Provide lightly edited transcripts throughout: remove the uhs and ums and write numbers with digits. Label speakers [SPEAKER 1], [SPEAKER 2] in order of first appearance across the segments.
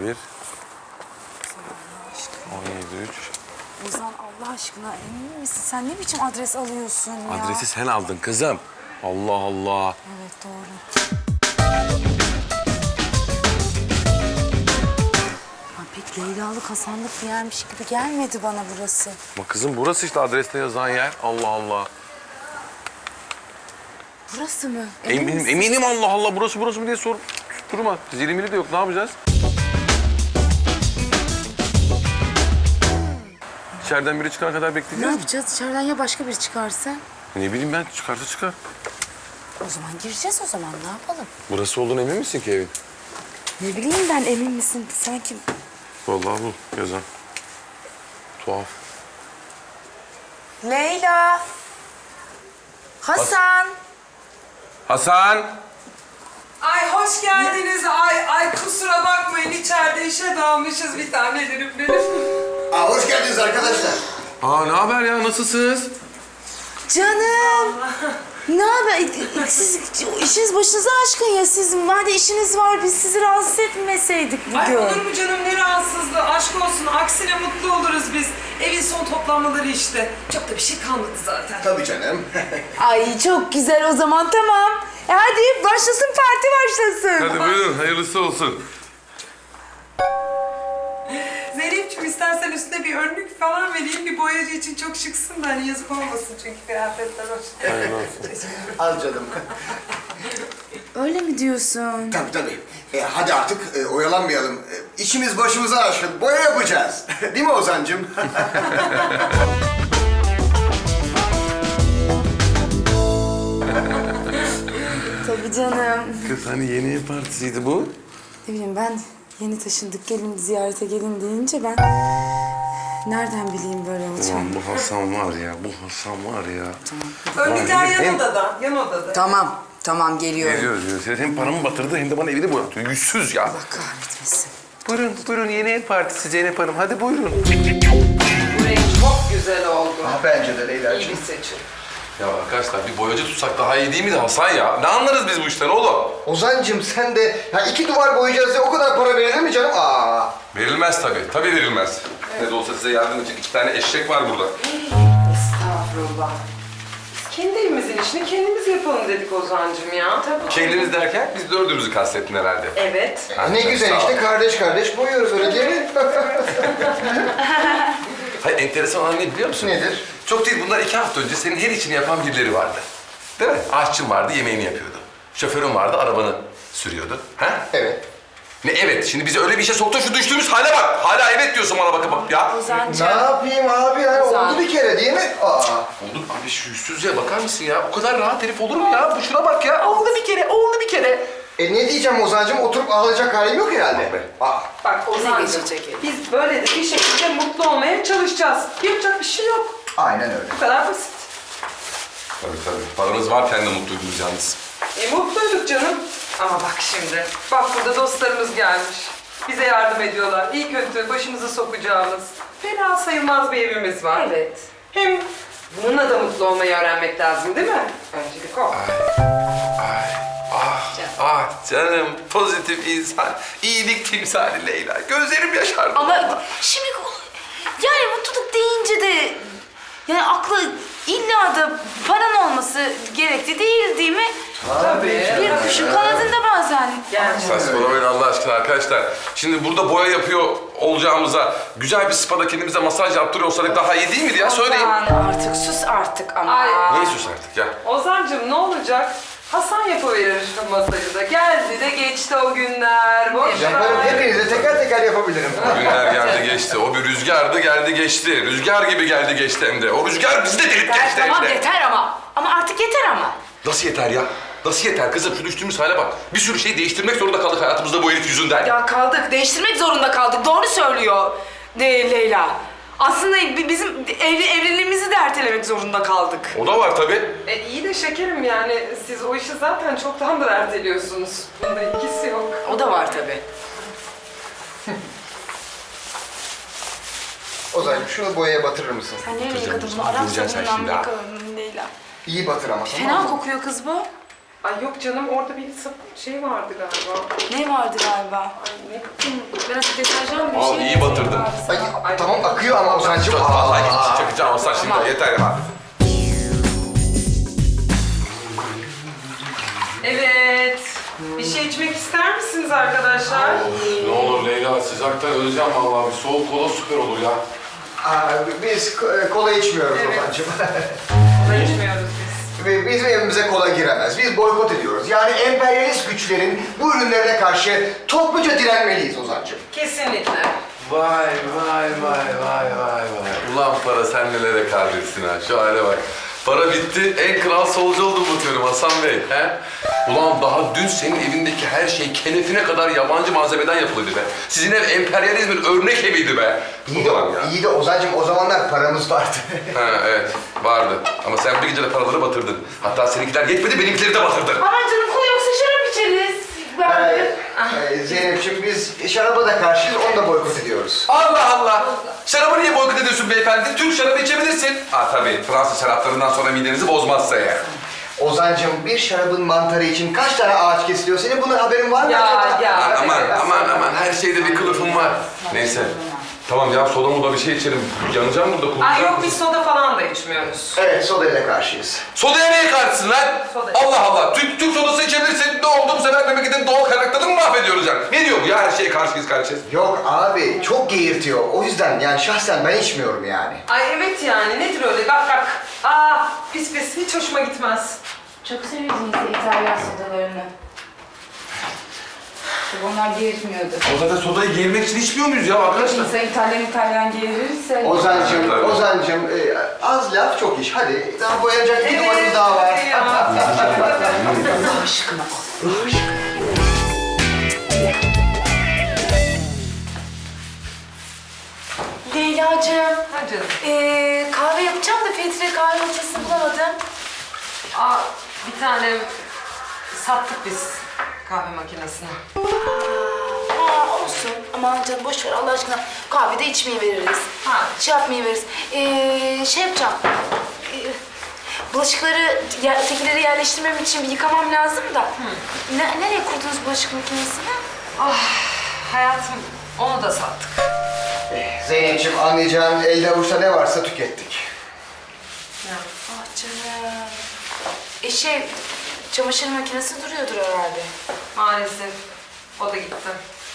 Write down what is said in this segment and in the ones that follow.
[SPEAKER 1] 11, 17, 3.
[SPEAKER 2] Ozan Allah aşkına emin misin? Sen ne biçim adres alıyorsun ya?
[SPEAKER 1] Adresi sen aldın kızım. Allah Allah.
[SPEAKER 2] Evet doğru. Ha, pek Leylalık, Hasanlık bir yermiş gibi gelmedi bana burası.
[SPEAKER 1] Ama kızım burası işte adreste yazan yer. Allah Allah.
[SPEAKER 2] Burası mı?
[SPEAKER 1] Eminim, eminim Allah Allah. Burası mı diye sor. Durma. Zilimili de yok. Ne yapacağız? İçeriden biri çıkana kadar
[SPEAKER 2] Ne
[SPEAKER 1] bekleyeceğiz.
[SPEAKER 2] yapacağız? İçeriden ya başka biri çıkarsa?
[SPEAKER 1] Ne bileyim ben. Çıkarsa çıkar.
[SPEAKER 2] O zaman gireceğiz o zaman. Ne yapalım?
[SPEAKER 1] Burası olduğunu emin misin ki evin?
[SPEAKER 2] Ne bileyim ben, emin misin? Sanki...
[SPEAKER 1] Vallahi bu yazan. Tuhaf.
[SPEAKER 2] Leyla! Hasan!
[SPEAKER 1] Hasan!
[SPEAKER 3] Ay hoş geldiniz. Ay kusura bakmayın, içeride işe dalmışız bir tanelerim benim.
[SPEAKER 4] Hoş geldiniz arkadaşlar.
[SPEAKER 1] Aa ne haber ya? Nasılsınız?
[SPEAKER 2] Canım! Ne haber? Siz işiniz başınıza aşkın ya. Sizin var da işiniz var. Biz sizi rahatsız etmeseydik
[SPEAKER 3] Ay
[SPEAKER 2] bugün.
[SPEAKER 3] olur mu canım, ne rahatsızlığı, aşk olsun. Aksine mutlu oluruz biz. Evin son toplanmaları işte. Çok da bir şey kalmadı zaten.
[SPEAKER 4] Tabii canım.
[SPEAKER 2] Ay çok güzel o zaman, tamam. Hadi başlasın, parti başlasın.
[SPEAKER 1] Hadi buyurun. Hayırlısı olsun.
[SPEAKER 3] Zeynep'ciğim istersen üstüne bir önlük falan vereyim. Bir boyacı için çok şıksın da hani yazık olmasın çünkü kıyafetler hoş.
[SPEAKER 1] Hayırlı olsun.
[SPEAKER 4] Al canım.
[SPEAKER 2] Öyle mi diyorsun?
[SPEAKER 4] Tabii. Hadi artık oyalanmayalım. İşimiz başımıza aşkın. Boya yapacağız. Değil mi Ozan'cığım?
[SPEAKER 2] Tabii canım.
[SPEAKER 1] Kız hani yeni ev partisiydi bu.
[SPEAKER 2] Ne bileyim ben, yeni taşındık, gelin ziyarete gelin deyince ben... Nereden bileyim böyle olacağını?
[SPEAKER 1] Ulan bu Hasan var ya, bu Hasan var ya.
[SPEAKER 3] Önlükler
[SPEAKER 1] Hem-
[SPEAKER 3] yan odada, yan odada.
[SPEAKER 2] Tamam geliyorum.
[SPEAKER 1] Geliyoruz. Hem paramı batırdı hem de bana evini boyatıyor. Yüzsüz ya.
[SPEAKER 2] Allah kahretmesin.
[SPEAKER 1] Buyurun yeni ev partisi Zeynep Hanım. Hadi buyurun.
[SPEAKER 3] Bu renk çok güzel oldu.
[SPEAKER 4] Bence de
[SPEAKER 3] İyi
[SPEAKER 4] Leyla'cığım.
[SPEAKER 3] bir seçim.
[SPEAKER 1] Ya arkadaşlar bir boyacı tutsak daha iyi değil miydi Hasan ya? Ne anlarız biz bu işten oğlum?
[SPEAKER 4] Ozan'cığım sen de ya 2 duvar boyayacağız diye o kadar para verilir mi canım?
[SPEAKER 1] Verilmez tabii. Tabii verilmez. Ne de olsa size yardım edecek 2 tane eşek var burada.
[SPEAKER 3] Estağfurullah. Biz kendi evimizin işini kendimiz yapalım dedik Ozan'cığım ya. Tabii.
[SPEAKER 1] Kendiniz derken biz dördümüzü kastettin herhalde.
[SPEAKER 3] Evet.
[SPEAKER 4] Ne güzel
[SPEAKER 1] Sağ ol.
[SPEAKER 4] işte kardeş boyuyoruz öyle değil mi?
[SPEAKER 1] Hayır enteresan olan ne biliyor musun?
[SPEAKER 4] Nedir?
[SPEAKER 1] Çok değil bunlar 2 hafta önce senin her işini yapan birileri vardı. Değil mi? Aşçın vardı yemeğini yapıyordu. Şoförün vardı arabanı sürüyordu. Ha?
[SPEAKER 4] Evet.
[SPEAKER 1] Ne evet? Şimdi bizi öyle bir işe soktun şu düştüğümüz hale bak. Hala evet diyorsun bana bakıp ya.
[SPEAKER 4] Ne yapayım abi ya? Oldu bir kere değil mi?
[SPEAKER 1] Oldu abi şu yüzsüzlüğe bakar mısın ya? O kadar rahat herif olur mu ya? Bu şuna bak ya. Oldu bir kere.
[SPEAKER 4] Ne diyeceğim Ozan'cığım? Oturup ağlayacak halim yok herhalde.
[SPEAKER 3] Bak Ozan'cığım, biz böyle de bir şekilde mutlu olmaya çalışacağız. Yapacak bir şey yok.
[SPEAKER 4] Aynen öyle.
[SPEAKER 3] Bu kadar basit.
[SPEAKER 1] Tabii. Paranız varken de mutluydunuz yalnız.
[SPEAKER 3] Mutluyduk canım. Ama bak şimdi, bak burada dostlarımız gelmiş. Bize yardım ediyorlar. İyi kötü başımızı sokacağımız, fena sayılmaz bir evimiz var. Evet. Hem bununla da mutlu olmayı öğrenmek lazım değil mi? Öncelik o.
[SPEAKER 1] Canım pozitif insan, iyilik timsali Leyla. Gözlerim yaşardı.
[SPEAKER 2] Ama şimdi yani mutluluk deyince de yani akla illa da paran olması gerekli değil mi?
[SPEAKER 3] Tabii.
[SPEAKER 2] Bir kuşun kanadında bazen.
[SPEAKER 1] Saçmalamayın Allah aşkına arkadaşlar. Şimdi burada boya yapıyor olacağımıza güzel bir spada kendimize masaj yaptırıyor olsaydık daha iyi değil miydi ya? Söyleyin.
[SPEAKER 2] Aman artık sus artık ama.
[SPEAKER 3] Ay.
[SPEAKER 1] Niye sus artık ya?
[SPEAKER 3] Ozan'cığım ne olacak? Hasan yapıverir masajı da. Geldi de geçti o günler. Boş
[SPEAKER 4] Yaparım.
[SPEAKER 3] ver.
[SPEAKER 4] Hepinize teker yapabilirim.
[SPEAKER 1] Günler geldi geçti. O bir rüzgardı geldi geçti. Rüzgar gibi geldi geçti hem de. O rüzgar bizi de delip geçti hem
[SPEAKER 2] Tamam
[SPEAKER 1] de.
[SPEAKER 2] yeter ama. Ama artık yeter ama.
[SPEAKER 1] Nasıl yeter ya? Nasıl yeter kızım? Şu düştüğümüz hale bak. Bir sürü şey değiştirmek zorunda kaldık hayatımızda bu herif yüzünden.
[SPEAKER 2] Ya kaldık. Değiştirmek zorunda kaldık. Doğru söylüyor Leyla. Aslında bizim evliliğimizi de ertelemek zorunda kaldık.
[SPEAKER 1] O da var tabii.
[SPEAKER 3] İyi de şekerim yani siz o işi zaten çoktandır erteliyorsunuz. Bunda ikisi yok.
[SPEAKER 2] O da var tabii.
[SPEAKER 4] Ozan'cığım şunu boyaya batırır mısın?
[SPEAKER 2] Sen nereye yıkadın bunu? Arap
[SPEAKER 1] Göreceksin sen
[SPEAKER 2] sabunundan
[SPEAKER 1] şimdi
[SPEAKER 2] mı
[SPEAKER 1] ha.
[SPEAKER 2] yıkadın Leyla?
[SPEAKER 4] İyi batır ama tamam
[SPEAKER 2] Fena
[SPEAKER 4] mı?
[SPEAKER 2] kokuyor kız bu.
[SPEAKER 3] Ay yok canım, orada bir şey vardı galiba.
[SPEAKER 2] Ne vardı galiba?
[SPEAKER 3] Ay ne bileyim.
[SPEAKER 2] Biraz deterjan bir
[SPEAKER 1] Al,
[SPEAKER 2] şey.
[SPEAKER 1] iyi batırdın.
[SPEAKER 4] Ay, tamam akıyor ama Ozan'cığım.
[SPEAKER 1] Vallahi git çakacağım olsa şimdi yeter ya.
[SPEAKER 3] Evet. Bir şey içmek ister misiniz arkadaşlar?
[SPEAKER 1] Ne olur Leyla, sıcaktan öleceğim vallahi. Bir soğuk kola süper olur ya.
[SPEAKER 4] Biz kola içmiyoruz
[SPEAKER 3] Evet.
[SPEAKER 4] Ozan'cığım.
[SPEAKER 3] Kola içmiyoruz biz.
[SPEAKER 4] Ve bizim evimize kola giremez. Biz boykot ediyoruz. Yani emperyalist güçlerin bu ürünlerine karşı topluca direnmeliyiz Ozan'cığım.
[SPEAKER 3] Kesinlikle.
[SPEAKER 1] Vay vay vay vay vay vay. Ulan para sen nelere kadirsin ha. Şu hale bak. Para bitti, en kral solcu oldum bakıyorum Hasan Bey. He? Ulan daha dün senin evindeki her şey kenefine kadar yabancı malzemeden yapılıydı be. Sizin ev emperyalizmin örnek eviydi be.
[SPEAKER 4] İyi de, iyi de Ozan'cığım o zamanlar paramız vardı.
[SPEAKER 1] Ha evet, vardı. Ama sen bir gecede paraları batırdın. Hatta seninkiler yetmedi, benimkileri de batırdın.
[SPEAKER 2] Aman canım kola yoksa şarap içeriz.
[SPEAKER 4] Zeynep'ciğim biz şaraba da karşıyız, onu da boykot ediyoruz.
[SPEAKER 1] Allah Allah! Şarabı niye boykot ediyorsun beyefendi? Türk şarabı içebilirsin. Ha tabii, Fransız şaraplarından sonra midenizi bozmazsa eğer.
[SPEAKER 4] Ozan'cığım bir şarabın mantarı için kaç tane ağaç kesiliyor? Senin bunun haberin var mı
[SPEAKER 3] Ya,
[SPEAKER 4] acaba?
[SPEAKER 3] ya.
[SPEAKER 1] Aman, her şeyde bir kılıfım var. Neyse. Tamam ya, soda moda bir şey içerim. Yanacağım burada, kurtulacağım.
[SPEAKER 3] Ay yok, biz soda falan da içmiyoruz.
[SPEAKER 4] Evet, sodayla karşıyız.
[SPEAKER 1] Sodaya neye karşısın lan?
[SPEAKER 3] Soda.
[SPEAKER 1] Allah Allah! Türk sodası içebilirsin. Ne oldu bu sefer memleketin doğal kaynaklarını mı mahvediyoruz yani? Ne diyor bu ya, her şeye karşıyız?
[SPEAKER 4] Yok abi, çok geğirtiyor. O yüzden yani şahsen ben içmiyorum yani.
[SPEAKER 3] Ay evet yani, nedir öyle gak. Aa pis pis, hiç hoşuma gitmez.
[SPEAKER 2] Çok sevdiğiniz İtalyan sodalarını. Onlar geğirtmiyordu.
[SPEAKER 1] O zaten sodayı giymek için içmiyor muyuz ya arkadaşlar?
[SPEAKER 2] İnsan İtalyan geğirirse...
[SPEAKER 4] Ozan'cığım az laf çok iş. Hadi daha boyanacak bir duvarımız daha var.
[SPEAKER 2] Allah aşkına. Leyla'cığım,
[SPEAKER 3] Ha canım.
[SPEAKER 2] kahve yapacağım da filtre kahve makinesini bulamadım.
[SPEAKER 3] Aa bir tane sattık biz kahve makinesini.
[SPEAKER 2] Olsun. Aman canım boş ver Allah aşkına. Kahve de içmeyi veririz.
[SPEAKER 3] Ha.
[SPEAKER 2] Şey yapmayı veririz. Şey yapacağım. Bulaşıkları, ötekileri yerleştirmem için bir yıkamam lazım da. Nereye kurdunuz bulaşık makinesini?
[SPEAKER 3] Hayatım, onu da sattık.
[SPEAKER 4] Zeynep'ciğim anlayacağın elde avuçta ne varsa tükettik.
[SPEAKER 2] Ah canım. Çamaşır makinesi duruyordur herhalde.
[SPEAKER 3] Maalesef o da gitti.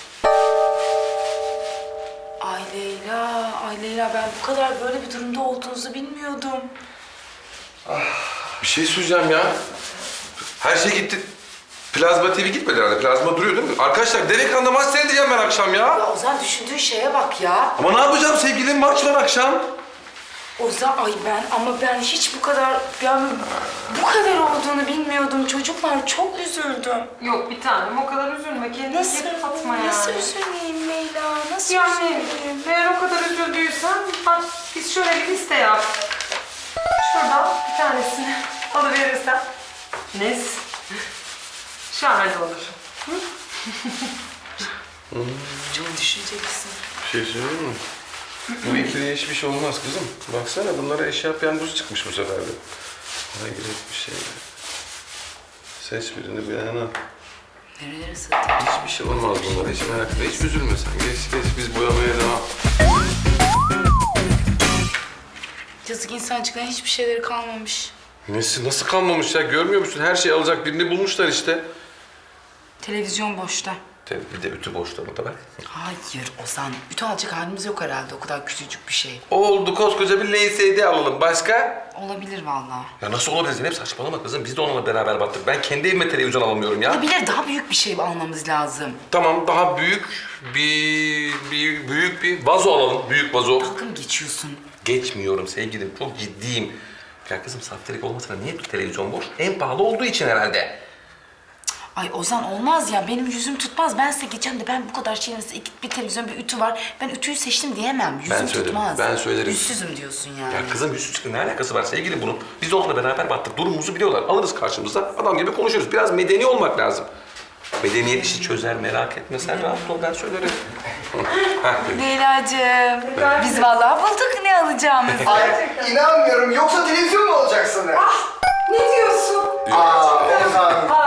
[SPEAKER 2] Ay Leyla ben bu kadar böyle bir durumda olduğunuzu bilmiyordum.
[SPEAKER 1] Bir şey söyleyeceğim ya. Her şey gitti. Plazma TV gitmedi herhalde. Plazma duruyor değil mi? Arkadaşlar dev ekranda maç seyredeceğim ben akşam ya.
[SPEAKER 2] Ya Ozan düşündüğün şeye bak ya.
[SPEAKER 1] Ama ne yapacağım sevgilim? Maç var akşam.
[SPEAKER 2] Ozan ben hiç bu kadar olduğunu bilmiyordum. Çocuklar çok üzüldüm.
[SPEAKER 3] Yok bir tanem, o kadar üzülme kendine. Fatma yani.
[SPEAKER 2] Nasıl üzüleyim Leyla? Nasıl
[SPEAKER 3] Yani
[SPEAKER 2] üzüleyim?
[SPEAKER 3] eğer o kadar üzüldüysen bak biz şöyle bir liste yap. Şuradan bir tanesini alıverirsen. Nes? Şahane olur.
[SPEAKER 2] Çok düşüneceksin.
[SPEAKER 1] Bir şey söyleyeyim mi? Bu ikiliye hiçbir şey olmaz kızım. Baksana bunlara eşya piyangosu çıkmış bu sefer de. Hayret bir şey. Seç birini beğen.
[SPEAKER 2] Nerelere satayım?
[SPEAKER 1] Hiçbir şey olmaz bunlara. Hiç merak etme. Hiç üzülme sen. Geç biz boyamaya devam.
[SPEAKER 2] Yazık insancıkların hiçbir şeyleri kalmamış.
[SPEAKER 1] Nasıl kalmamış ya? Görmüyor musun? Her şeyi alacak birini bulmuşlar işte.
[SPEAKER 2] Televizyon boşta.
[SPEAKER 1] Bir de ütü boşluğunu da ver.
[SPEAKER 2] Hayır Ozan. Ütü alacak halimiz yok herhalde. O kadar küçücük bir şey.
[SPEAKER 1] Oldu, koskoca bir LCD alalım. Başka?
[SPEAKER 2] Olabilir vallahi.
[SPEAKER 1] Ya nasıl olabilir Zeynep? Saçmalama kızım. Biz de onunla beraber battık. Ben kendi evime televizyon alamıyorum ya.
[SPEAKER 2] Olabilir. Daha büyük bir şey almamız lazım.
[SPEAKER 1] Tamam, daha büyük bir vazo alalım. Büyük vazo.
[SPEAKER 2] Dalga mı geçiyorsun?
[SPEAKER 1] Geçmiyorum sevgilim. Çok ciddiyim. Ya kızım saftirik olmasına niye bu televizyon boş? En pahalı olduğu için herhalde.
[SPEAKER 2] Ay Ozan olmaz ya. Benim yüzüm tutmaz. Ben size geçeceğim de ben bu kadar şeyin arasında bir televizyon, bir ütü var. Ben ütüyü seçtim diyemem. Yüzüm
[SPEAKER 1] söylerim,
[SPEAKER 2] tutmaz.
[SPEAKER 1] ben söylerim.
[SPEAKER 2] Yüzsüzüm diyorsun yani.
[SPEAKER 1] Ya kızım yüzsüzlükle ne alakası var sevgilim bunun? Biz de onunla beraber battık. Durumumuzu biliyorlar. Alırız karşımıza. Adam gibi konuşuruz. Biraz medeni olmak lazım. Medeniyet işi çözer, merak etme. Sen rahat ol, ben söylerim.
[SPEAKER 2] Leyla'cığım, biz vallahi bulduk ne alacağımızı.
[SPEAKER 4] Ay inanmıyorum. Yoksa televizyon mu alacaksın?
[SPEAKER 3] Ne diyorsun?
[SPEAKER 4] Ozan.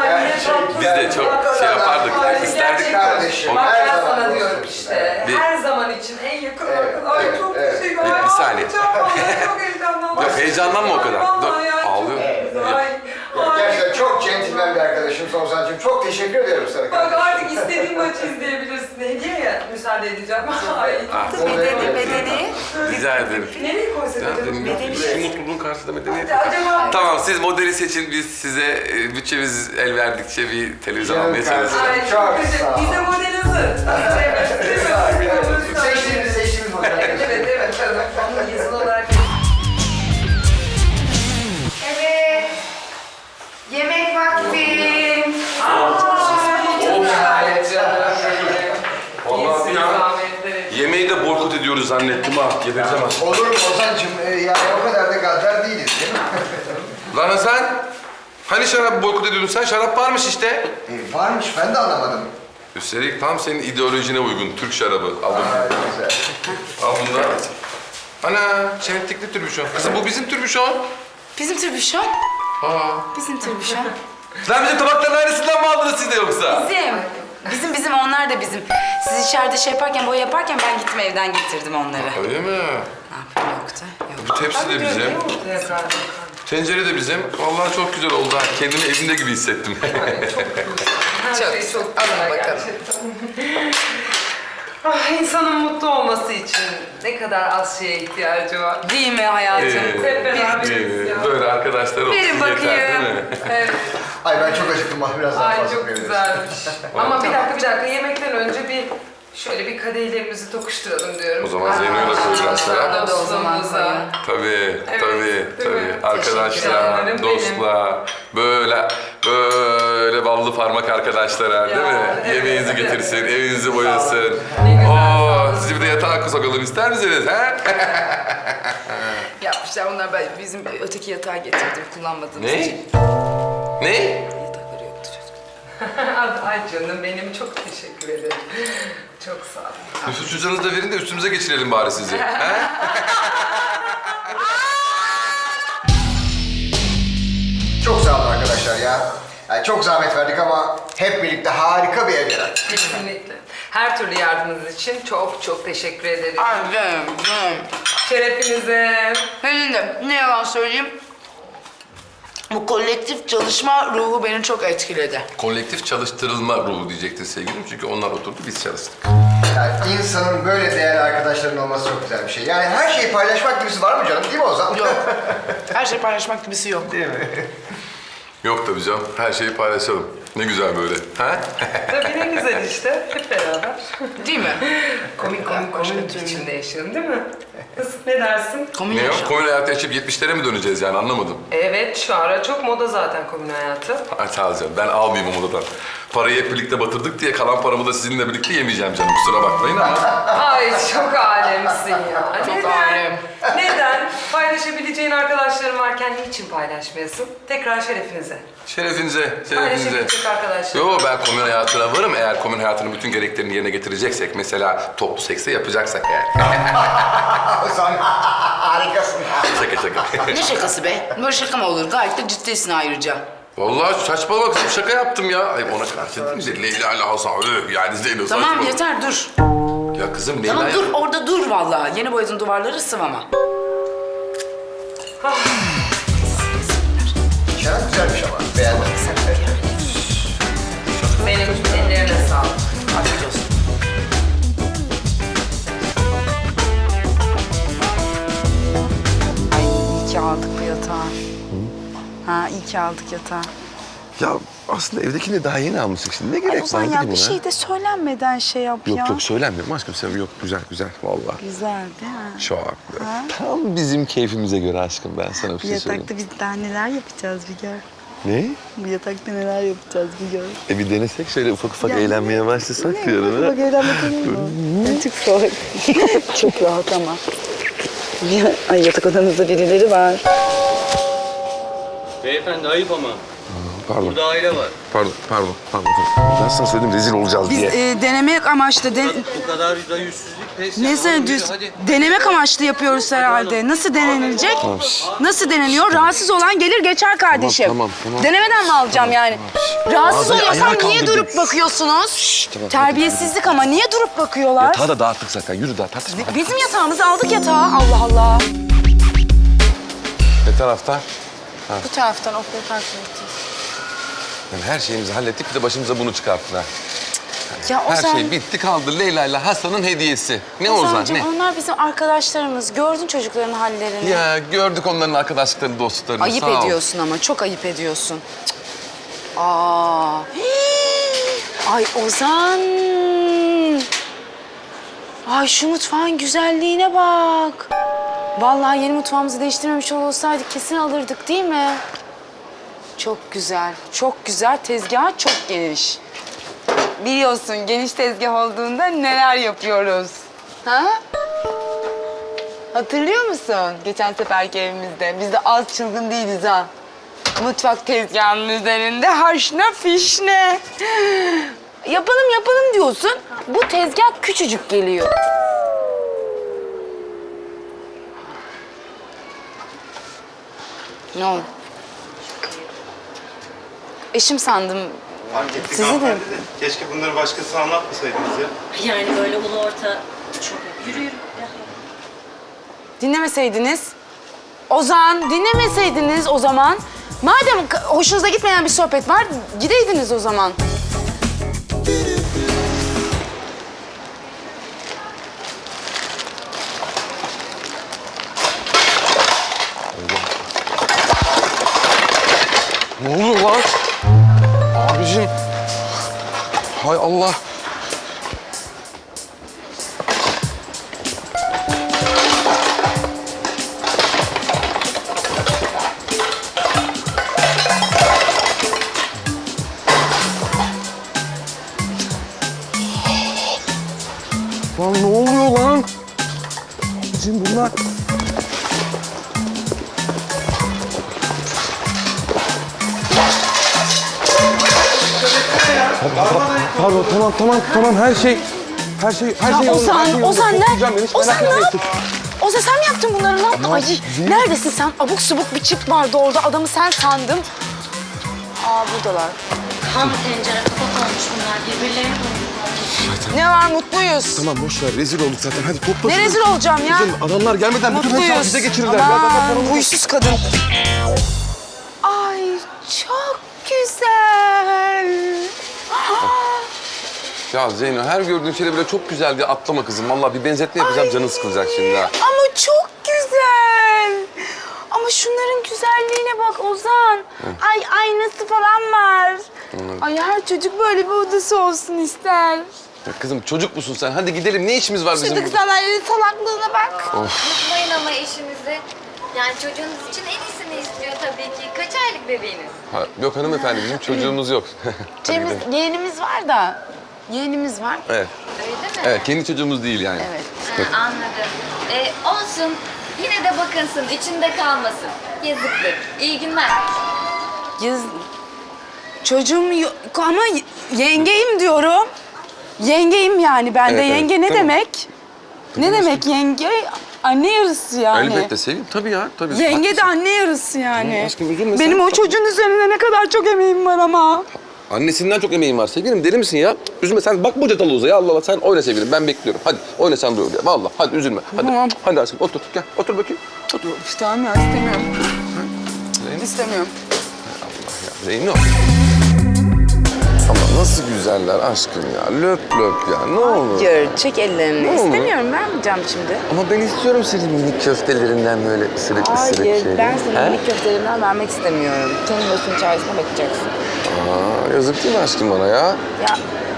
[SPEAKER 4] arkadaşım.
[SPEAKER 3] Bak
[SPEAKER 4] Her
[SPEAKER 3] ben
[SPEAKER 4] zaman
[SPEAKER 3] sana
[SPEAKER 4] dostum.
[SPEAKER 3] diyorum işte.
[SPEAKER 1] Bir-
[SPEAKER 3] Her zaman için en yakın arkadaş. Ay çok teşekkür ederim.
[SPEAKER 1] Bir saniye.
[SPEAKER 3] Çok heyecanlandım.
[SPEAKER 1] Yok, heyecanlanma o kadar.
[SPEAKER 3] Ay,
[SPEAKER 1] Dur,
[SPEAKER 3] vallahi ya,
[SPEAKER 1] ağlıyor.
[SPEAKER 3] çok- Ay,
[SPEAKER 4] Ya,
[SPEAKER 3] ay.
[SPEAKER 4] gerçekten çok centilmen bir arkadaşım Sonsacığım. Çok teşekkür ederim sana
[SPEAKER 3] Bak
[SPEAKER 4] kardeşim.
[SPEAKER 3] artık istediğin maçı izleyebilirsin. Hediye ya. Müsaade edeceğim. Ay.
[SPEAKER 1] Ah,
[SPEAKER 2] Bedeni.
[SPEAKER 1] rica ederim.
[SPEAKER 3] Nereye koysak
[SPEAKER 1] Ya,
[SPEAKER 3] acaba?
[SPEAKER 1] şu mutluluğun karşısında medeniyet.
[SPEAKER 3] Acaba...
[SPEAKER 1] Tamam, siz modeli seçin. Biz size bütçemiz el verdikçe bir televizyon
[SPEAKER 4] Canım
[SPEAKER 1] almaya çalışırız.
[SPEAKER 3] Ay
[SPEAKER 4] Çok
[SPEAKER 3] çok güzel.
[SPEAKER 4] sağ ol.
[SPEAKER 3] Bize model hazır. Evet, değil mi?
[SPEAKER 4] Seçtiğimiz model.
[SPEAKER 3] Evet. Onu yazılı olarak...
[SPEAKER 2] Evet. Yemek vakti.
[SPEAKER 1] Vallahi yemeği de boykot ediyoruz zannettim ha. Gebereceğim ha.
[SPEAKER 4] Olur mu Ozan'cığım? Yani o kadar da gaddar değiliz değil mi?
[SPEAKER 1] Lan Hasan, hani şarap boykot ediyordun sen? Şarap varmış işte.
[SPEAKER 4] Varmış, ben de anlamadım.
[SPEAKER 1] Üstelik tam senin ideolojine uygun. Türk şarabı. Al bunu.
[SPEAKER 4] Güzel.
[SPEAKER 1] Al bunu da. Ana, çentikli türbüşon. Kızım bu bizim türbüşon.
[SPEAKER 2] Bizim türbüşon.
[SPEAKER 1] Aa.
[SPEAKER 2] Bizim türbüşon.
[SPEAKER 1] Lan bizim tabakların aynısından mı aldınız siz de yoksa?
[SPEAKER 2] Bizim onlar da bizim. Siz içeride şey yaparken, boya yaparken ben gittim evden getirdim onları.
[SPEAKER 1] Öyle mi?
[SPEAKER 2] Ne yapayım yoktu. Yok.
[SPEAKER 1] Bu tepsi de bizim. Tencere de bizim. Vallahi çok güzel oldu ha. Kendimi evimde gibi hissettim.
[SPEAKER 3] Çok
[SPEAKER 2] Alın bakalım.
[SPEAKER 3] İnsanın mutlu olması için ne kadar az şeye ihtiyacı var.
[SPEAKER 2] Değil mi hayatım?
[SPEAKER 3] Hep beraberiz ya.
[SPEAKER 1] Böyle arkadaşlar olsun
[SPEAKER 2] Verin
[SPEAKER 1] yeter değil
[SPEAKER 2] bakayım.
[SPEAKER 1] mi?
[SPEAKER 3] Evet.
[SPEAKER 4] Ay ben çok acıktım, biraz daha
[SPEAKER 3] Ay
[SPEAKER 4] fazla
[SPEAKER 3] çok
[SPEAKER 4] koyabiliriz.
[SPEAKER 3] güzelmiş. Ama bir dakika. Yemekten önce şöyle bir kadehlerimizi tokuşturalım diyorum.
[SPEAKER 1] O zaman Zeyno'yu da koyacağız
[SPEAKER 3] Dostlarla,
[SPEAKER 2] da o zaman
[SPEAKER 3] dostluğumuza.
[SPEAKER 1] Tabii,
[SPEAKER 3] Evet,
[SPEAKER 1] tabii,
[SPEAKER 3] değil mi?
[SPEAKER 1] tabii.
[SPEAKER 3] Teşekkür
[SPEAKER 1] Arkadaşlar,
[SPEAKER 3] ederim,
[SPEAKER 1] dostlar, böyle ballı parmak arkadaşlar değil mi?
[SPEAKER 3] evet.
[SPEAKER 1] Yemeğinizi getirsin, evinizi boyasın.
[SPEAKER 3] Ne güzel, sağ
[SPEAKER 1] Oo,
[SPEAKER 3] olun.
[SPEAKER 1] sizi bir de yatağa sokalım ister misiniz? He?
[SPEAKER 2] Yapmışlar onlar ben bizim öteki yatağı getirdim kullanmadığımız
[SPEAKER 1] Ne?
[SPEAKER 2] için.
[SPEAKER 1] Ne?
[SPEAKER 2] Yatakları yoktu çocuk.
[SPEAKER 3] Ay canım benim çok teşekkür ederim. Çok sağ ol.
[SPEAKER 1] Nüfus cüzdanınızı da verin de üstümüze geçirelim bari sizi. He?
[SPEAKER 4] Çok sağ olun arkadaşlar ya. Yani çok zahmet verdik ama hep birlikte harika bir ev yarattık.
[SPEAKER 3] Kesinlikle. Her türlü yardımınız için çok çok teşekkür ederim.
[SPEAKER 2] Canım.
[SPEAKER 3] Şerefinize.
[SPEAKER 2] Helinde ne yalan söyleyeyim. Bu kolektif çalışma ruhu beni çok etkiledi.
[SPEAKER 1] Kolektif çalıştırılma ruhu diyecektin sevgilim. Çünkü onlar oturdu, biz çalıştık.
[SPEAKER 4] Yani insanın böyle değerli arkadaşların olması çok güzel bir şey. Yani her şeyi paylaşmak gibisi var mı canım? Değil mi Ozan?
[SPEAKER 2] Yok. Her şey paylaşmak gibisi yok.
[SPEAKER 4] Değil mi?
[SPEAKER 1] Yok tabii canım, her şeyi paylaşalım. Ne güzel böyle. Ha?
[SPEAKER 3] Tabii ne güzel işte. Hep beraber.
[SPEAKER 2] Değil mi?
[SPEAKER 3] Komik içinde yaşayalım değil mi? Kız ne dersin?
[SPEAKER 2] Komün
[SPEAKER 1] Ne
[SPEAKER 2] yaşam.
[SPEAKER 1] yok? Komün hayatı yaşayıp 70'lere mi döneceğiz yani anlamadım.
[SPEAKER 3] Evet şu ara çok moda zaten komün hayatı.
[SPEAKER 1] Ay sağ ol canım, ben almayayım o modadan. Parayı hep birlikte batırdık diye kalan paramı da sizinle birlikte yemeyeceğim canım. Kusura bakmayın ama.
[SPEAKER 3] Ay çok alemsin ya.
[SPEAKER 2] Çok
[SPEAKER 3] Neden?
[SPEAKER 2] alem.
[SPEAKER 3] Neden? Paylaşabileceğin arkadaşların varken niçin paylaşmayasın? Tekrar şerefinize.
[SPEAKER 1] Şerefinize.
[SPEAKER 3] Paylaşabilecek arkadaşlar.
[SPEAKER 1] Yo ben komün hayatına varım eğer komün hayatının bütün gereklerini yerine getireceksek. Mesela toplu sekse yapacaksak eğer.
[SPEAKER 4] Ozan harikasın.
[SPEAKER 1] Şaka şaka.
[SPEAKER 2] Ne şakası be? Böyle şaka mı olur? Gayet de ciddisin ayrıca.
[SPEAKER 1] Vallahi saçmalama kızım şaka yaptım ya. Ay ona karşı değil mi? Leyla ile Hasan yani Zeyno
[SPEAKER 2] Tamam
[SPEAKER 1] saçmalama.
[SPEAKER 2] yeter dur.
[SPEAKER 1] Ya kızım Leyla...
[SPEAKER 2] Tamam dur orada dur vallahi. Yeni boyadığın duvarları sıvama.
[SPEAKER 4] Şarap güzelmiş ama. Beğendim.
[SPEAKER 3] Benim ellerine sağlık.
[SPEAKER 2] Afiyet olsun. Ay iyi ki aldık bu yatağı. Ha iyi ki aldık yatağı.
[SPEAKER 1] Ya aslında evdekini daha yeni almıştık şimdi. Ne gerek
[SPEAKER 5] Ozan
[SPEAKER 1] vardı
[SPEAKER 5] ya
[SPEAKER 1] ki
[SPEAKER 5] bir
[SPEAKER 1] buna?
[SPEAKER 5] şey de söylenmeden şey yap ya.
[SPEAKER 1] Yok yok söylenmiyorum aşkım sen yok güzel güzel vallahi.
[SPEAKER 5] Güzel değil mi?
[SPEAKER 1] Çok tam bizim keyfimize göre aşkım ben sana bir
[SPEAKER 5] Bu
[SPEAKER 1] şey söyleyeyim.
[SPEAKER 5] yatakta biz daha neler yapacağız bir gör.
[SPEAKER 1] Ne?
[SPEAKER 5] Bu yatakta neler yapacağız bir gör.
[SPEAKER 1] Bir denesek şöyle ufak ufak
[SPEAKER 5] Ya,
[SPEAKER 1] eğlenmeye başlasak
[SPEAKER 5] Ne?
[SPEAKER 1] diyorum.
[SPEAKER 5] Bak eğlenmek olur mu? Çok salak. Çok rahat ama. Ay yatak odanızda birileri var.
[SPEAKER 6] Beyefendi ayıp ama.
[SPEAKER 1] Pardon.
[SPEAKER 6] Burada aile var.
[SPEAKER 1] Pardon. Ben sana söyledim rezil olacağız diye.
[SPEAKER 2] Denemek amaçlı.
[SPEAKER 6] Bu kadar da yüzsüzlük. Pes
[SPEAKER 2] Ne
[SPEAKER 6] ya,
[SPEAKER 2] sen
[SPEAKER 6] oğlum,
[SPEAKER 2] düz?
[SPEAKER 6] yürü, hadi.
[SPEAKER 2] Denemek amaçlı yapıyoruz herhalde. Nasıl denenilecek? Nasıl deneniyor? Rahatsız olan gelir geçer kardeşim.
[SPEAKER 1] Tamam.
[SPEAKER 2] Denemeden mi alacağım yani? Rahatsız
[SPEAKER 1] Ağzını
[SPEAKER 2] oluyorsam
[SPEAKER 1] ayağa
[SPEAKER 2] niye
[SPEAKER 1] kaldırdın.
[SPEAKER 2] durup bakıyorsunuz?
[SPEAKER 1] Tamam,
[SPEAKER 2] Terbiyesizlik ama niye durup bakıyorlar?
[SPEAKER 1] Yatağı da dağıttık zaten. Yürü daha tartışma.
[SPEAKER 2] Bizim yatağımızı aldık yatağa. Allah Allah.
[SPEAKER 1] Ne tarafta?
[SPEAKER 2] Bu taraftan okul parkına gideceğiz.
[SPEAKER 1] Yani her şeyimizi hallettik bir de başımıza bunu çıkarttılar.
[SPEAKER 2] Ya
[SPEAKER 1] Her
[SPEAKER 2] Ozan,
[SPEAKER 1] şey bitti kaldı Leyla ile Hasan'ın hediyesi. Ne Ozan
[SPEAKER 2] Ozancığım,
[SPEAKER 1] ne?
[SPEAKER 2] onlar bizim arkadaşlarımız. Gördün çocukların hallerini.
[SPEAKER 1] Ya gördük onların arkadaşlıklarını, dostluklarını.
[SPEAKER 2] Ayıp
[SPEAKER 1] Sağ ol.
[SPEAKER 2] ediyorsun ama çok ayıp ediyorsun. Cık. Aa. Ay Ozan. Ay şu mutfağın güzelliğine bak. Vallahi yeni mutfağımızı değiştirmemiş olsaydık kesin alırdık değil mi? Çok güzel, çok güzel. Tezgah çok geniş. Biliyorsun geniş tezgah olduğunda neler yapıyoruz. Ha? Hatırlıyor musun? Geçen seferki evimizde. Biz de az çılgın değiliz ha. Mutfak tezgahının üzerinde haşna fişne. Yapalım diyorsun. Bu tezgah küçücük geliyor. Ne oldu? Eşim sandım.
[SPEAKER 7] Fark ettik
[SPEAKER 2] Sizi de-
[SPEAKER 7] hanımefendi de. Keşke bunları başkasına anlatmasaydınız ya.
[SPEAKER 8] Yani böyle ulu orta çok yürü.
[SPEAKER 2] Dinlemeseydiniz. Ozan, dinlemeseydiniz o zaman. Madem hoşunuza gitmeyen bir sohbet var, gideydiniz o zaman.
[SPEAKER 1] Ne oluyor lan? Abicim. Hay Allah. Lan ne oluyor lan? Abicim bunlar... Pardon, tamam. Her şey
[SPEAKER 2] Ya Ozan, Ozan
[SPEAKER 1] Çok
[SPEAKER 2] ne?
[SPEAKER 1] güzel, hiç
[SPEAKER 2] Ozan
[SPEAKER 1] merak
[SPEAKER 2] ne
[SPEAKER 1] etmeyin.
[SPEAKER 2] yap? Ozan sen mi yaptın bunları? Ne yaptın? Ay neredesin sen? Abuk subuk bir çift vardı orada. Adamı sen sandım. Aa buradalar.
[SPEAKER 8] Tam tencere kafa olmuş bunlar. Birbirlerine koyuyorlar.
[SPEAKER 2] Ne var mutluyuz.
[SPEAKER 1] Tamam boş ver, rezil olduk zaten. Hadi topla.
[SPEAKER 2] Ne rezil olacağım ya?
[SPEAKER 1] Kızım, adamlar gelmeden bütün hesabı
[SPEAKER 2] Mutluyuz.
[SPEAKER 1] bize geçirirler. Ya, zaten
[SPEAKER 2] Aman
[SPEAKER 1] paramız-
[SPEAKER 2] huysuz kadın. Ay çok güzel.
[SPEAKER 1] Ya Zeyno her gördüğün şeyle bile çok güzel diye atlama kızım. Vallahi bir benzetme yapacağım canın sıkılacak şimdi ha.
[SPEAKER 2] Ama çok güzel. Ama şunların güzelliğine bak Ozan. Ay aynası falan var. Ay her çocuk böyle bir odası olsun ister.
[SPEAKER 1] Ya kızım çocuk musun sen? Hadi gidelim. Ne işimiz var bizim?
[SPEAKER 2] Çocuk sanayinin salaklığına bak.
[SPEAKER 9] Unutmayın ama eşinizi. Yani çocuğunuz için en iyisini istiyor tabii ki. Kaç aylık bebeğiniz?
[SPEAKER 1] Ha, yok hanımefendi bizim çocuğumuz yok. Hadi gidelim.
[SPEAKER 2] Yeğenimiz var da. Yeğenimiz var.
[SPEAKER 1] Evet.
[SPEAKER 9] Öyle mi?
[SPEAKER 1] Evet kendi çocuğumuz değil yani.
[SPEAKER 2] Evet.
[SPEAKER 9] Ha, anladım. Olsun. Yine de bakınsın, içinde kalmasın. Yazıktır. İyi günler.
[SPEAKER 2] Yaz... Çocuğum yok ama yengeyim diyorum. Yengeyim yani ben de.
[SPEAKER 1] Evet, evet,
[SPEAKER 2] Yenge ne
[SPEAKER 1] tamam.
[SPEAKER 2] demek? Ne demek yenge? Anne yarısı yani.
[SPEAKER 1] Elbette seveyim. Tabii ya. Tabii.
[SPEAKER 2] Yenge de anne yarısı yani.
[SPEAKER 1] Tamam aşkım, üzülme
[SPEAKER 2] Benim
[SPEAKER 1] sen.
[SPEAKER 2] o çocuğun üzerine ne kadar çok emeğim var ama.
[SPEAKER 1] Annesinden çok emeğin var sevgilim. Deli misin ya? Üzülme sen bakma hoca talı ya Allah Allah. Sen oyna sevgilim ben bekliyorum. Hadi oyna sen dur ya. Vallahi hadi üzülme. Hadi.
[SPEAKER 2] Tamam.
[SPEAKER 1] Hadi aşkım otur gel. Otur bakayım. Otur.
[SPEAKER 2] Tamam ya istemiyorum.
[SPEAKER 1] Zeyno.
[SPEAKER 2] İstemiyorum.
[SPEAKER 1] Zeyno. Ama nasıl güzeller aşkım ya. Löp löp ya. Ne olur.
[SPEAKER 2] Hayır, çek ellerini.
[SPEAKER 1] Ne olur?
[SPEAKER 2] İstemiyorum, vermeyeceğim şimdi.
[SPEAKER 1] Ama ben istiyorum senin minik köftelerinden böyle ısırık ısırık
[SPEAKER 2] Hayır,
[SPEAKER 1] şey.
[SPEAKER 2] ben senin
[SPEAKER 1] He?
[SPEAKER 2] minik köftelerimden vermek istemiyorum. Kendi başının çaresine bakacaksın.
[SPEAKER 1] Aa, yazık değil mi aşkım bana ya?
[SPEAKER 2] Ya,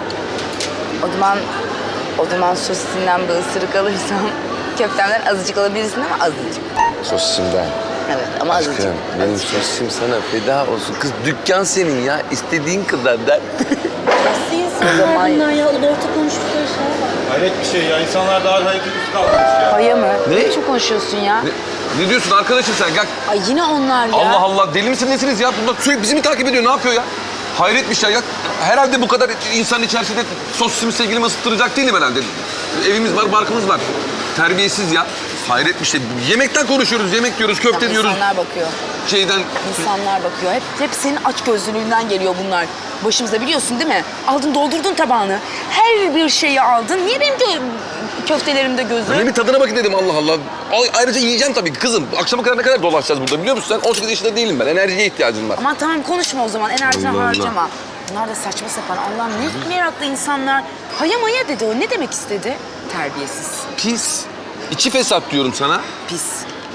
[SPEAKER 2] o zaman sosisinden bir ısırık alırsam köftemden azıcık alabilirsin ama azıcık.
[SPEAKER 1] Sosisimden.
[SPEAKER 2] Evet ama azıcık.
[SPEAKER 1] Aşkım benim sosisim sana feda olsun. Kız dükkan senin ya. İstediğin kadar der.
[SPEAKER 2] O zaman
[SPEAKER 8] Bunlar ya ulu orta konuştukları şey var.
[SPEAKER 7] Hayret bir şey ya. İnsanlar daha hareketli kalmış ya.
[SPEAKER 2] paya mı?
[SPEAKER 1] Ne?
[SPEAKER 2] Ne biçim konuşuyorsun ya?
[SPEAKER 1] Ne? Ne diyorsun arkadaşım sen? Gel.
[SPEAKER 2] Ay yine onlar ya.
[SPEAKER 1] Allah Allah, deli misin nesiniz ya? Bunlar sürekli bizi mi takip ediyor? Ne yapıyor ya? Hayret bir şey ya. Herhalde bu kadar insanın içerisinde sosisimi sevgilimi ısıttıracak değilim herhalde. Evimiz var, barkımız var. Terbiyesiz ya. Hayret bir şey. Yemekten konuşuyoruz, yemek diyoruz, köfte diyoruz.
[SPEAKER 2] İnsanlar bakıyor.
[SPEAKER 1] Şeyden...
[SPEAKER 2] İnsanlar bakıyor. Hep senin açgözlülüğünden geliyor bunlar. Başımıza biliyorsun değil mi? Aldın doldurdun tabağını. Her bir şeyi aldın. Niye benim köftelerimde gözü?
[SPEAKER 1] Öyle bir tadına bakın dedim Allah Allah. Ayrıca yiyeceğim tabii kızım. Akşama kadar ne kadar dolaşacağız burada biliyor musun sen? 18 yaşında değilim ben. Enerjiye ihtiyacım var.
[SPEAKER 2] Aman tamam konuşma o zaman. Enerjini
[SPEAKER 1] Allah Allah.
[SPEAKER 2] harcama. Bunlar da saçma sapan. Allah'ım ne meraklı insanlar. Haya maya dedi o. Ne demek istedi? Terbiyesiz.
[SPEAKER 1] Pis. İçi fesat diyorum sana.
[SPEAKER 2] Pis.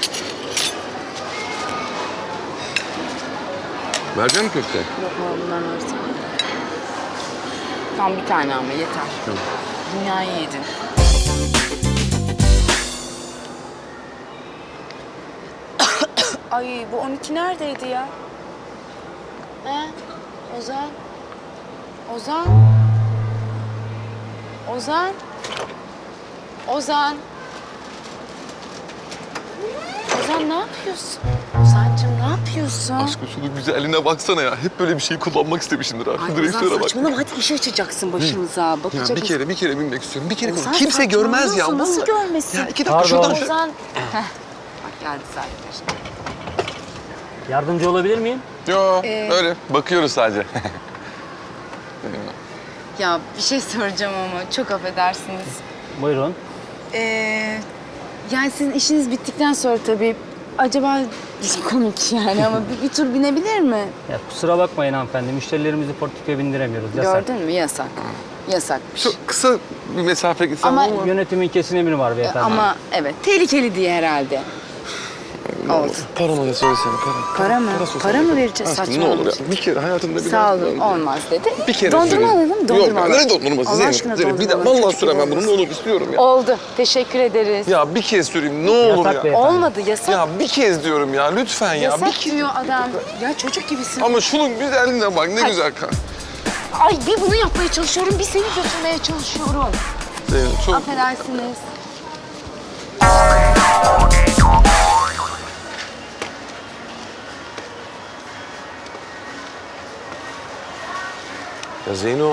[SPEAKER 1] Verecek misin köfte?
[SPEAKER 2] Yok bundan varsa. Tam bir tane ama yeter.
[SPEAKER 1] Tamam.
[SPEAKER 2] Dünyayı yedin. Ay bu 12 neredeydi ya? He? Ozan? Ozan? Ozan? Ozan? Ozan ne yapıyorsun? Ozan'cığım ne yapıyorsun?
[SPEAKER 1] Aşkım şunun güzelliğine baksana ya. Hep böyle bir şey kullanmak istemişimdir ha.
[SPEAKER 2] Ay
[SPEAKER 1] Şu direksiyona
[SPEAKER 2] Ozan
[SPEAKER 1] bak.
[SPEAKER 2] saçmalama hadi iş açacaksın başımıza.
[SPEAKER 1] Ya
[SPEAKER 2] Bakacak
[SPEAKER 1] bir kere binmek istiyorum. Bir kere
[SPEAKER 2] Ozan,
[SPEAKER 1] kimse görmez ya.
[SPEAKER 2] saçmalıyorsun, nasıl
[SPEAKER 1] vallahi.
[SPEAKER 2] görmesin?
[SPEAKER 1] Ya 2 dakika şuradan şu...
[SPEAKER 2] Ozan. Heh. Bak geldi sahipler.
[SPEAKER 6] Yardımcı olabilir miyim?
[SPEAKER 1] Yo öyle bakıyoruz sadece.
[SPEAKER 2] Ya bir şey soracağım ama çok affedersiniz.
[SPEAKER 6] Buyurun.
[SPEAKER 2] Yani sizin işiniz bittikten sonra tabii acaba komik yani ama bir tur binebilir mi?
[SPEAKER 6] Ya kusura bakmayın hanımefendi. Müşterilerimizi portföye bindiremiyoruz. Yasak.
[SPEAKER 2] Gördün mü? Yasak. Yasakmış.
[SPEAKER 1] Çok kısa bir mesafe gitsem
[SPEAKER 2] Ama-
[SPEAKER 1] ama...
[SPEAKER 6] Yönetimin kesin emri var beyefendi.
[SPEAKER 2] Ama evet tehlikeli diye herhalde. Oldu.
[SPEAKER 1] Paramı da söylesene para.
[SPEAKER 2] Para mı? Para mı vereceğiz?
[SPEAKER 1] Aşkım ne olur ya.
[SPEAKER 2] Saçmalama.
[SPEAKER 1] Bir kere hayatımda bir
[SPEAKER 2] Sağ olun olmaz dedi.
[SPEAKER 1] Bir kere
[SPEAKER 2] Dondurma
[SPEAKER 1] söyleyeyim.
[SPEAKER 2] alalım dondurma
[SPEAKER 1] Yok
[SPEAKER 2] alalım.
[SPEAKER 1] ne dondurması
[SPEAKER 2] Allah
[SPEAKER 1] Zeynep?
[SPEAKER 2] aşkına
[SPEAKER 1] Zeynep, bir de
[SPEAKER 2] dondurma.
[SPEAKER 1] vallahi
[SPEAKER 2] Çocuk
[SPEAKER 1] süremem
[SPEAKER 2] gibi
[SPEAKER 1] bunu ne olur istiyorum ya.
[SPEAKER 2] Oldu. Teşekkür ederiz.
[SPEAKER 1] Ya bir kez süreyim ne olur
[SPEAKER 6] Yasak
[SPEAKER 1] ya.
[SPEAKER 6] beyefendi.
[SPEAKER 2] Olmadı yasak.
[SPEAKER 1] Ya bir kez diyorum ya lütfen ya.
[SPEAKER 2] Yasak
[SPEAKER 1] Bir kez.
[SPEAKER 2] diyor adam. Ya çocuk gibisin.
[SPEAKER 1] Ama şunun güzelliğine bak ne güzel kan.
[SPEAKER 2] Ay bir bunu yapmaya çalışıyorum, bir seni götürmeye çalışıyorum.
[SPEAKER 1] Zeynep çok...
[SPEAKER 2] Affedersiniz.
[SPEAKER 1] Ya Zeyno.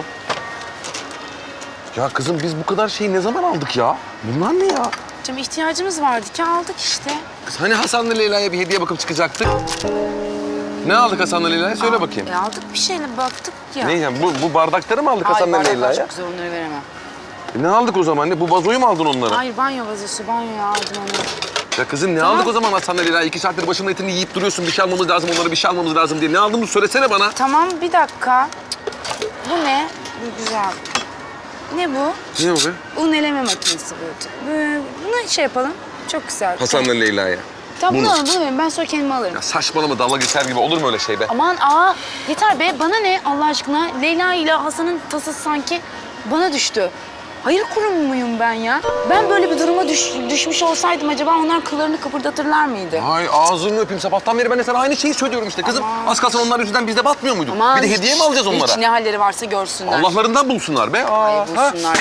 [SPEAKER 1] Ya kızım biz bu kadar şeyi ne zaman aldık ya? Bunlar ne ya?
[SPEAKER 2] Canım ihtiyacımız vardı ki aldık işte.
[SPEAKER 1] Kız hani Hasan'la Leyla'ya bir hediye bakıp çıkacaktık? Ne aldık Hasan'la Leyla'ya? Söyle bakayım.
[SPEAKER 2] Aldık bir şeyle baktık ya.
[SPEAKER 1] Ne yani bu bardakları mı aldık Hasan'la
[SPEAKER 2] bardaklar
[SPEAKER 1] Leyla'ya?
[SPEAKER 2] çok güzel onları veremem.
[SPEAKER 1] Ne aldık o zaman? Ne bu vazoyu mu aldın onlara?
[SPEAKER 2] Hayır banyo vazosu, banyoya aldım onu.
[SPEAKER 1] Ya kızım ne
[SPEAKER 2] Tamam.
[SPEAKER 1] aldık o zaman Hasan'la Leyla'ya? 2 saattir başımın etini yiyip duruyorsun. Bir şey almamız lazım, onlara bir şey almamız lazım diye. Ne aldığımızı söylesene bana.
[SPEAKER 2] Tamam bir dakika. Bu ne? Bu güzel. Ne bu?
[SPEAKER 1] Ne o be?
[SPEAKER 2] Un eleme makinesi bu. Bunu şey yapalım. Çok güzel.
[SPEAKER 1] Hasan'la Leyla'ya.
[SPEAKER 2] Tamam bunu
[SPEAKER 1] bunu.
[SPEAKER 2] alın, bunu verin. Ben sonra kendim alırım.
[SPEAKER 1] Ya saçmalama dalga geçer gibi olur mu öyle şey be?
[SPEAKER 2] Aman yeter be bana ne Allah aşkına Leyla ile Hasan'ın tasası sanki bana düştü. Hayır kurumu muyum ben ya? Ben böyle bir duruma düşmüş olsaydım acaba onlar kıllarını kıpırdatırlar mıydı?
[SPEAKER 1] Ay ağzını öpeyim sabahtan beri ben de sana aynı şeyi söylüyorum işte kızım.
[SPEAKER 2] Aman.
[SPEAKER 1] Az kalsın onlar yüzünden biz de batmıyor muyduk?
[SPEAKER 2] Aman
[SPEAKER 1] Bir de hediye mi alacağız onlara?
[SPEAKER 2] Hiç ne halleri varsa görsünler.
[SPEAKER 1] Allah'larından bulsunlar be.
[SPEAKER 2] Ay
[SPEAKER 1] ha?
[SPEAKER 2] bulsunlar.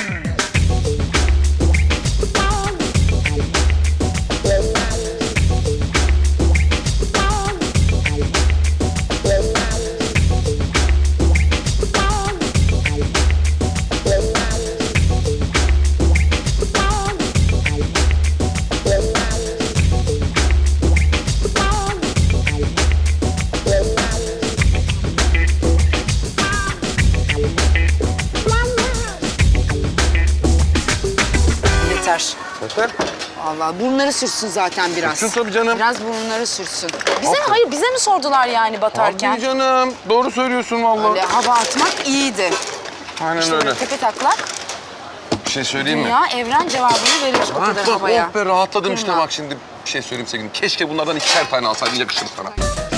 [SPEAKER 2] Yeter.
[SPEAKER 1] Yeter.
[SPEAKER 2] Allah burnları sürsün zaten biraz.
[SPEAKER 1] Sürsün tabii canım.
[SPEAKER 2] Biraz burnları sürsün. Hayır bize mi sordular yani batarken?
[SPEAKER 1] Tabii canım. Doğru söylüyorsun vallahi.
[SPEAKER 2] Öyle hava atmak iyiydi.
[SPEAKER 1] Aynen
[SPEAKER 2] İşte
[SPEAKER 1] öyle.
[SPEAKER 2] böyle tepe taklak
[SPEAKER 1] Bir şey söyleyeyim mi?
[SPEAKER 2] dünya evren cevabını verir o
[SPEAKER 1] Ha,
[SPEAKER 2] kadar
[SPEAKER 1] bak,
[SPEAKER 2] havaya.
[SPEAKER 1] oh be rahatladım işte
[SPEAKER 2] Kırma.
[SPEAKER 1] bak şimdi bir şey söyleyeyim sevgilim. Keşke bunlardan 2'şer tane alsaydın yakışır sana.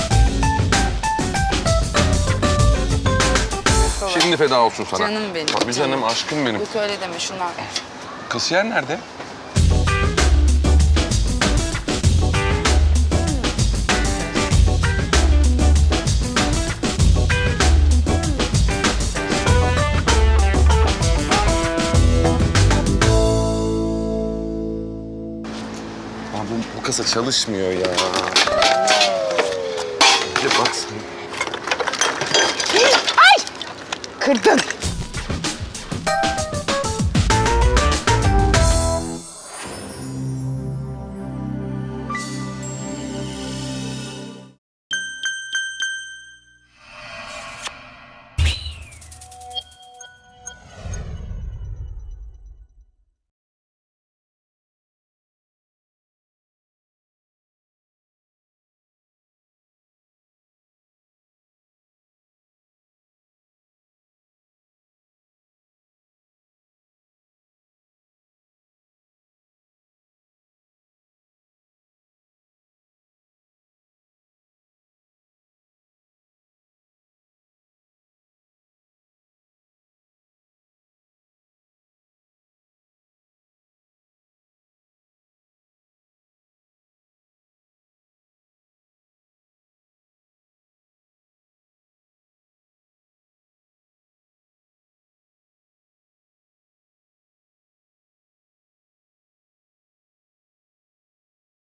[SPEAKER 1] Şimdi feda olsun sana.
[SPEAKER 2] Canım benim,
[SPEAKER 1] Tabii canım aşkım benim.
[SPEAKER 2] Yok öyle deme şunlar.
[SPEAKER 1] Kasiyer nerede? masa çalışmıyor ya. Bir de bak sen.
[SPEAKER 5] Kırdın.